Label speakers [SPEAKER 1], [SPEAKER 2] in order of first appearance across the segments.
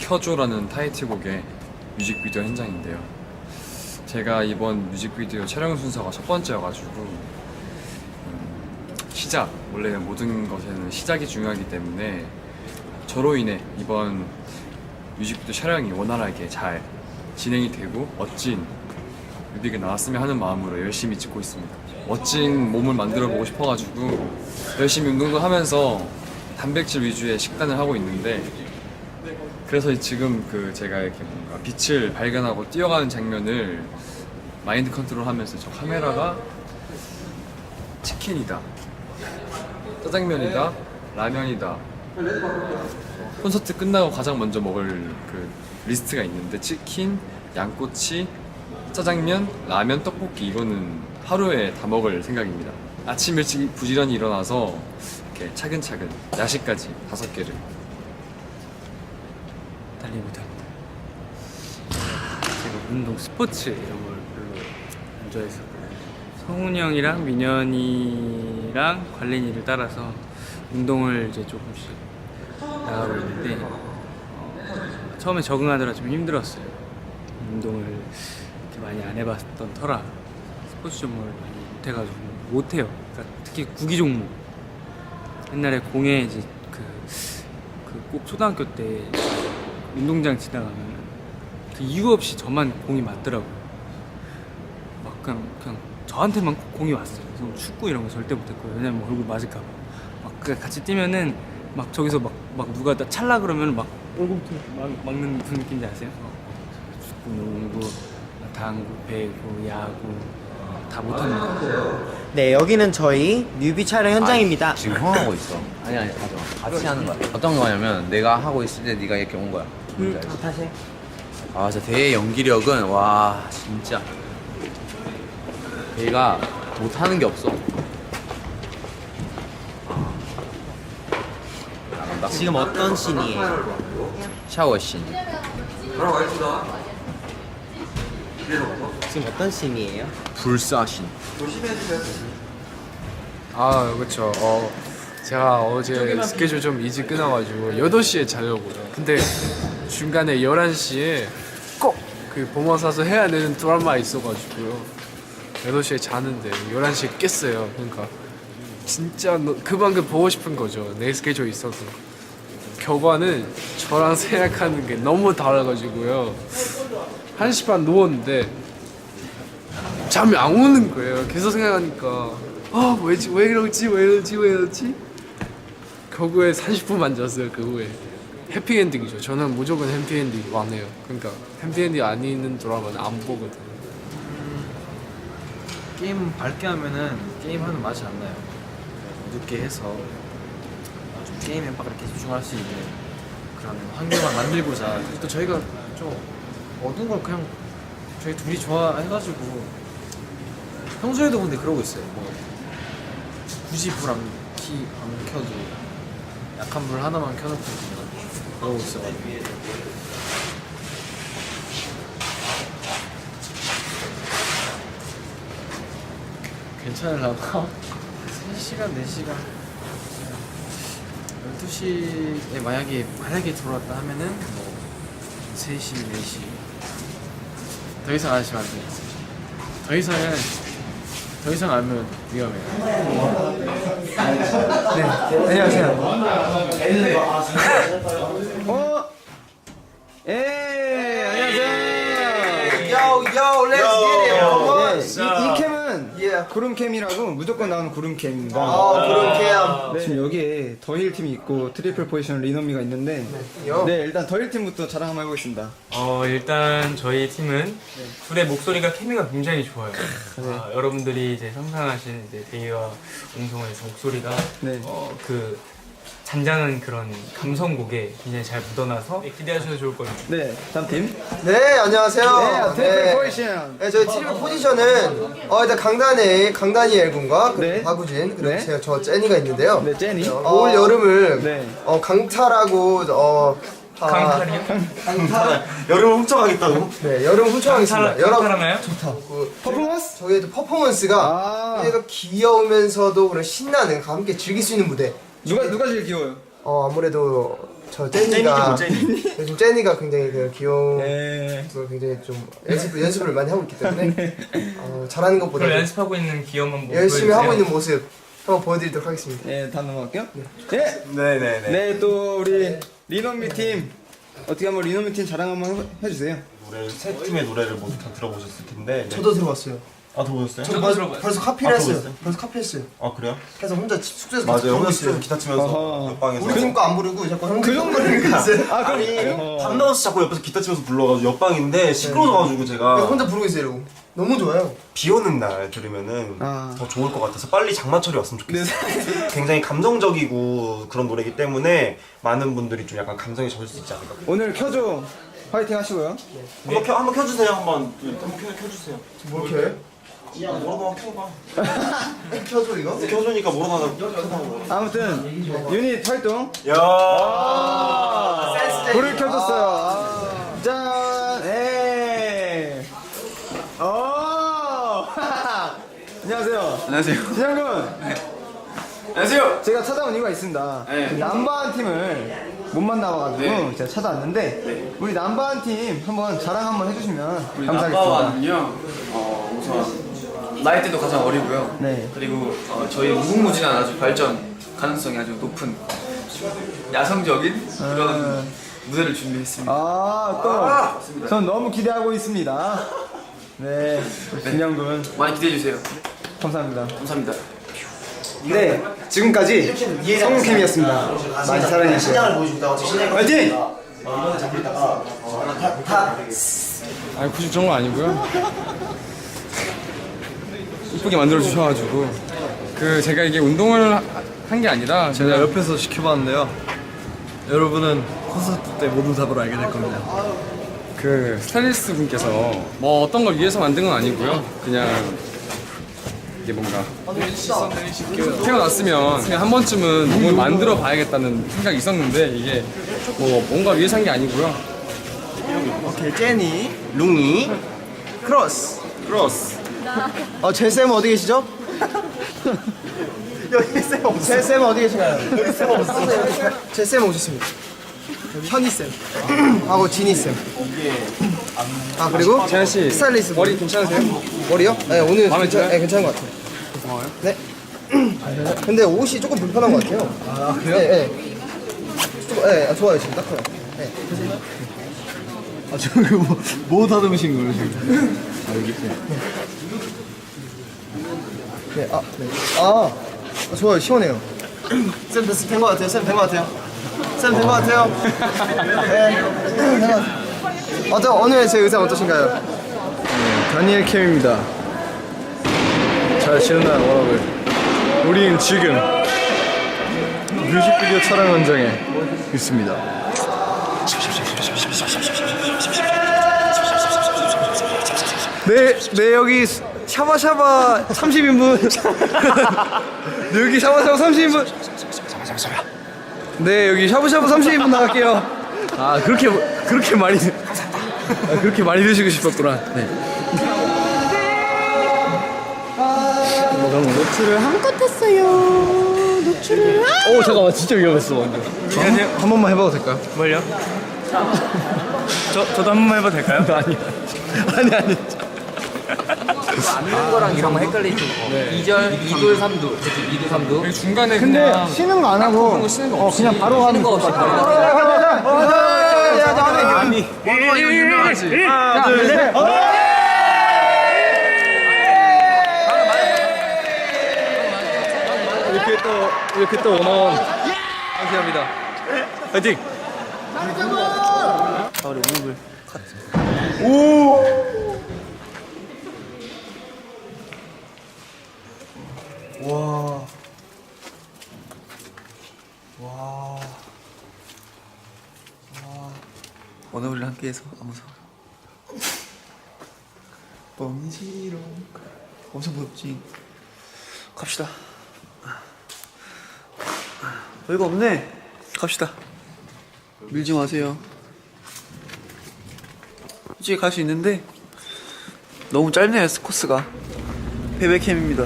[SPEAKER 1] 켜줘라는 타이틀곡의 뮤직비디오 현장인데요. 제가 이번 뮤직비디오 촬영 순서가 첫 번째여가지고 시작, 원래 모든 것에는 시작이 중요하기 때문에 저로 인해 이번 뮤직비디오 촬영이 원활하게 잘 진행이 되고 멋진 뮤비가 나왔으면 하는 마음으로 열심히 찍고 있습니다. 멋진 몸을 만들어 보고 싶어가지고 열심히 운동도 하면서 단백질 위주의 식단을 하고 있는데, 그래서 지금 제가 이렇게 뭔가 빛을 발견하고 뛰어가는 장면을 마인드 컨트롤하면서 저 카메라가 치킨이다, 짜장면이다, 라면이다, 콘서트 끝나고 가장 먼저 먹을 그 리스트가 있는데 치킨, 양꼬치, 짜장면, 라면, 떡볶이, 이거는 하루에 다 먹을 생각입니다. 아침 일찍 부지런히 일어나서 이렇게 차근차근 야식까지 5개를
[SPEAKER 2] 달리 못합니다. 제가 운동, 스포츠 이런 걸 별로 안 좋아해서 성훈이 형이랑 민현이랑 관린이를 따라서 운동을 이제 조금씩 나가고 있는데 처음에 적응하느라 좀 힘들었어요. 운동을 이렇게 많이 안 해봤던 터라 스포츠 종목을 많이 못해가지고 못해요. 그러니까 특히 구기 종목, 옛날에 공에 이제 꼭 초등학교 때 운동장 지나가면 그 이유 없이 저만 공이 맞더라고요. 막 그냥 저한테만 공이 왔어요. 그래서 축구 이런 거 절대 못했고요. 왜냐면 얼굴 맞을까봐. 막 같이 뛰면은 막 저기서 막 누가 다 찰라 그러면 막 얼굴부터 막는 무슨 느낌인지 아세요? 축구, 농구, 당구, 배구, 야구 다 못합니다.
[SPEAKER 3] 네, 여기는 저희 뮤비 촬영 현장입니다.
[SPEAKER 4] 지금 형 하고 있어. 아니 같이 하는 거야. 어떤 거냐면 내가 하고 있을 때 네가 이렇게 온 거야. 뭔지 알지?
[SPEAKER 3] 다시.
[SPEAKER 4] 아 진짜 대의 연기력은 와 진짜 대가 못하는 게 없어. 나간다.
[SPEAKER 3] 지금 어떤 씬이에요?
[SPEAKER 4] 샤워 씬.
[SPEAKER 3] 지금 어떤 씬이에요?
[SPEAKER 4] 불사 씬.
[SPEAKER 5] 아 그쵸. 제가 어제 스케줄 좀 일찍 끊어가지고 8시에 자려고요. 근데 중간에 11시에 꼭 그 보머 사서 해야 되는 드라마 있어가지고요. 8시에 자는데 11시에 깼어요. 그러니까 진짜 그만큼 보고 싶은 거죠. 내 스케줄 있어서. 결과는 저랑 생각하는 게 너무 달라가지고요. 1시 반 누웠는데 잠이 안 오는 거예요. 계속 생각하니까 왜 이러지? 결국에 30분만 잤어요. 그 후에 해피엔딩이죠. 저는 무조건 해피엔딩 왕해요. 그러니까 해피엔딩 아닌 드라마는 안 보거든요.
[SPEAKER 6] 게임 밝게 하면은 게임하는 맛이 안 나요. 어둡게 해서 좀 게임 엠박을 이렇게 집중할 수 있는 그런 환경을 만들고자. 또 저희가 좀 어두운 걸 그냥 저희 둘이 좋아해가지고 평소에도 근데 그러고 있어요. 뭐 굳이 불 안 켜도 약한 불 하나만 켜놓고 그러고 있어가지고. 괜찮으려나? 3시간, 4시간 12시에 만약에 들어왔다 하면은 뭐 3시, 4시 더 이상 안 하시면 안 돼요. 더 이상 알면 위험해요.
[SPEAKER 3] 네, 안녕하세요.
[SPEAKER 7] Yo, let's get it. Come on.
[SPEAKER 3] 이 캠은 구름캠이라고 무조건 나오는 구름캠입니다.
[SPEAKER 7] 그럼
[SPEAKER 3] 네. 지금 여기에 더힐 팀이 있고 트리플 포지션 리노미가 있는데 네, 일단 더힐 팀부터 자랑 한번 해보겠습니다.
[SPEAKER 2] 일단 저희 팀은 둘의 목소리가 케미가 굉장히 좋아요. 여러분들이 이제 상상하신 이제 데이와 옹성에서 목소리가
[SPEAKER 3] 네.
[SPEAKER 2] 그 잔잔한 그런 감성곡에 굉장히 잘 묻어나서 기대하셔도 좋을 거예요.
[SPEAKER 3] 네, 다음 팀.
[SPEAKER 7] 네, 안녕하세요.
[SPEAKER 3] 트리플 포지션.
[SPEAKER 7] 네, 저희 트리플 포지션은 일단 강다니엘 군과 그리고
[SPEAKER 3] 네.
[SPEAKER 7] 박우진 그리고
[SPEAKER 3] 네.
[SPEAKER 7] 저 제니가 있는데요.
[SPEAKER 3] 네, 제니.
[SPEAKER 7] 올 여름을
[SPEAKER 3] 네.
[SPEAKER 7] 강탈하고
[SPEAKER 2] 강탈이요?
[SPEAKER 7] 여름을 훔쳐가겠다고? 네, 여름 훔쳐가겠습니다.
[SPEAKER 2] 강탈하나요?
[SPEAKER 3] 퍼포먼스?
[SPEAKER 7] 저희의 또 퍼포먼스가 얘가 귀여우면서도 그런 신나는 함께 즐길 수 있는 무대.
[SPEAKER 3] 누가 제일 귀여워요?
[SPEAKER 7] 아무래도 저 제니가 요즘 제니가 굉장히 그 귀여운 걸 굉장히 좀 연습을 많이 하고 있기 때문에 잘하는 것보다
[SPEAKER 2] 그럼 연습하고 있는 귀여운 한번
[SPEAKER 7] 열심히 하고 있는 모습 한번 보여드리도록 하겠습니다.
[SPEAKER 3] 네, 다음 넘어갈게요. 네, 또 우리 리노미 팀 어떻게 한번 리노미 팀 자랑 한번 해주세요.
[SPEAKER 8] 세 팀의 노래를 모두 다 들어보셨을 텐데.
[SPEAKER 7] 저도 들어봤어요.
[SPEAKER 8] 아, 들어보셨어요?
[SPEAKER 7] 저도 들어봤어요. 벌써 카피를 했어요.
[SPEAKER 8] 들어봤어요?
[SPEAKER 7] 벌써 카피했어요.
[SPEAKER 8] 아, 그래요?
[SPEAKER 7] 그래서 혼자 숙소에서
[SPEAKER 8] 맞아요. 혼자
[SPEAKER 7] 부르고
[SPEAKER 8] 숙소에서
[SPEAKER 7] 있어요.
[SPEAKER 8] 기타 치면서 옆방에서.
[SPEAKER 7] 우리 팀 거 안 부르고 자꾸 형 그 정도는 있어요.
[SPEAKER 3] 아, 그럼
[SPEAKER 8] 밤 나와서 자꾸 옆에서 기타 치면서 불러가지고 옆방인데 시끄러워가지고
[SPEAKER 7] 그래서
[SPEAKER 8] 제가
[SPEAKER 7] 혼자 부르고 있어요. 이러고. 너무 좋아요.
[SPEAKER 8] 비 오는 날 들으면은 더 좋을 것 같아서 빨리 장마철이 왔으면 좋겠어요. 굉장히 감정적이고 그런 노래이기 때문에 많은 분들이 좀 약간 감성에 젖을 수 있지 않을까.
[SPEAKER 3] 오늘 켜줘 화이팅 하시고요.
[SPEAKER 8] 한번 켜주세요. 한번 켜주세요.
[SPEAKER 7] 뭘 켜요?
[SPEAKER 8] 야, 뭐라도 켜봐.
[SPEAKER 7] 켜줘 이거?
[SPEAKER 8] 켜주니까 뭐라도 켜봐.
[SPEAKER 3] 아무튼 유닛 활동
[SPEAKER 8] 야.
[SPEAKER 3] 불을 켜줬어요. 짠, 에이. 안녕하세요.
[SPEAKER 1] 안녕하세요.
[SPEAKER 3] 진영군.
[SPEAKER 1] 안녕하세요.
[SPEAKER 3] 제가 찾아온 이유가 있습니다. 그 남바한 팀을 못 만나봐가지고 제가 찾아왔는데 우리 남바한 팀 한번 자랑 한번 해주시면 감사하겠습니다.
[SPEAKER 9] 남바완은요, 우선 나이 때도 가장 어리고요.
[SPEAKER 3] 네.
[SPEAKER 9] 그리고 저희 무궁무진한 아주 발전 가능성이 아주 높은 야성적인 그런 무대를 준비했습니다.
[SPEAKER 3] 또 전 너무 기대하고 있습니다. 네, 진영군
[SPEAKER 9] 많이 기대해 주세요.
[SPEAKER 3] 감사합니다.
[SPEAKER 9] 감사합니다.
[SPEAKER 3] 네, 지금까지 성우캠이었습니다. 많이 사랑해주세요. 화이팅!
[SPEAKER 1] 아니 굳이 그런 건 아니고요. 이쁘게 만들어 주셔가지고 그 제가 이게 운동을 한 게 아니라
[SPEAKER 6] 제가 옆에서 지켜봤는데요. 여러분은 콘서트 때 모든 답을 알게 될 겁니다.
[SPEAKER 1] 그 스타일리스트 분께서 뭐 어떤 걸 위해서 만든 건 아니고요. 그냥 이게 뭔가 태어났으면 그냥 한 번쯤은 몸을 만들어 봐야겠다는 생각이 있었는데 이게 뭐 뭔가 위해서 한 게 아니고요.
[SPEAKER 7] 오케이 제니, 룽이, 크로스. 제쌤 어디 계시죠? 여기 쌤 없어요. 제쌤 어디 계신가요? 여기 쌤 없어요. 제쌤 오셨습니다. 현이쌤 하고 지니쌤. 그리고
[SPEAKER 1] 재한 씨
[SPEAKER 7] 스타일리스트
[SPEAKER 1] 머리 괜찮으세요?
[SPEAKER 7] 머리요? 네 오늘
[SPEAKER 1] 마음에 들어요?
[SPEAKER 7] 네, 괜찮은 것 같아요.
[SPEAKER 1] 고마워요.
[SPEAKER 7] 네. 근데 옷이 조금 불편한 것 같아요. 그래요? 네. 네, 좋아요 지금 딱 좋아요. 네.
[SPEAKER 6] 저기 뭐 다듬으신 거예요 지금?
[SPEAKER 7] 네, 좋아요 시원해요. 쌤 된 것 같아요. 쌤 된 것 같아요. 쌤 된 것 같아요. 네, 된 것 같아요. 오늘 제 의상 어떠신가요?
[SPEAKER 6] 다니엘 캠입니다. 잘 지낸다 워라벨. 우린 지금 뮤직비디오 촬영 현장에 있습니다. 네 여기 샤바샤바 30인분. 네, 여기 샤바샤바 30인분. 네 여기 샤브샤브 30인분 나갈게요. 그렇게 많이 그렇게 많이 드시고 싶었구나. 네.
[SPEAKER 10] 노출을 한껏 했어요. 노출을.
[SPEAKER 6] 오 잠깐만 진짜 위험했어 완전. 한 번만 해봐도 될까요?
[SPEAKER 2] 뭘요? 저도 한 번만 해봐도 될까요?
[SPEAKER 6] 아니.
[SPEAKER 4] 앉는 거랑 이런 거 헷갈리죠. 2절, 2돌, 3돌. 그치, 2돌, 3돌.
[SPEAKER 1] 중간에
[SPEAKER 3] 근데
[SPEAKER 1] 그냥
[SPEAKER 3] 쉬는 거 안 하고
[SPEAKER 1] 쉬는 거 없이
[SPEAKER 3] 그냥 바로 하는
[SPEAKER 4] 거 없이
[SPEAKER 6] 아니. 이거 유명하지. 하나 둘 셋. 이렇게 또 원어원 감사합니다. 화이팅. 우리 무릎을
[SPEAKER 9] 오늘 함께해서 너무 좋아. 뻥이지롱. 엄청 무섭지. 갑시다. 별거 없네. 갑시다. 밀지 마세요. 솔직히 갈 수 있는데 너무 짧네요 코스가. 베베캠입니다.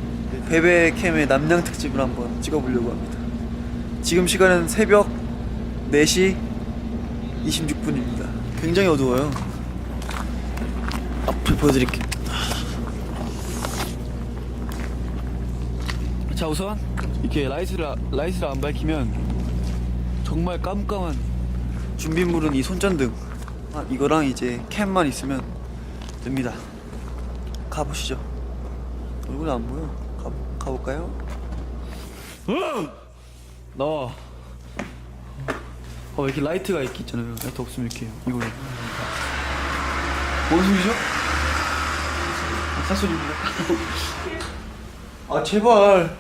[SPEAKER 9] 베베캠의 남양 특집을 한번 찍어보려고 합니다. 지금 시간은 새벽
[SPEAKER 7] 4시 26분입니다. 굉장히 어두워요. 앞을 보여드릴게요. 자, 우선 이렇게 라이트를 안 밝히면 정말 깜깜한 준비물은 이 손전등, 이거랑 이제 캠만 있으면 됩니다. 가보시죠. 얼굴 안 보여. 가볼까요? 나와. 이렇게 라이트가 있잖아요. 라이트 없으면 이렇게 이거. 뭔 소리죠? 사소리입니다. 아 제발.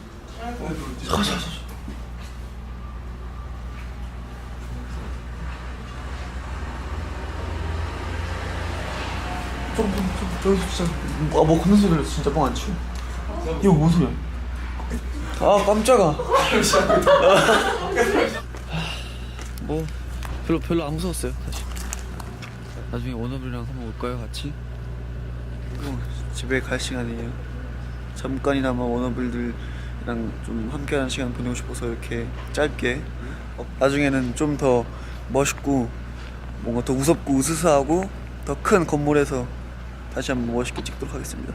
[SPEAKER 7] 저기서 진짜 뭐 걷는 소리 들렸어. 진짜 뻥 안 치고. 이거 뭔 소리야? 아 깜짝아. 뭐 별로 안 무서웠어요 사실. 나중에 워너블이랑 한번 올까요 같이? 집에 갈 시간이에요. 잠깐이나마 워너블들이랑 좀 함께하는 시간 보내고 싶어서 이렇게 짧게. 나중에는 좀 더 멋있고 뭔가 더 무섭고 으스스하고 더 큰 건물에서 다시 한번 멋있게 찍도록 하겠습니다.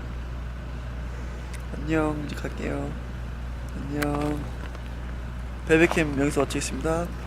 [SPEAKER 7] 안녕. 이제 갈게요. 안녕. 베베캠 여기서 마치겠습니다.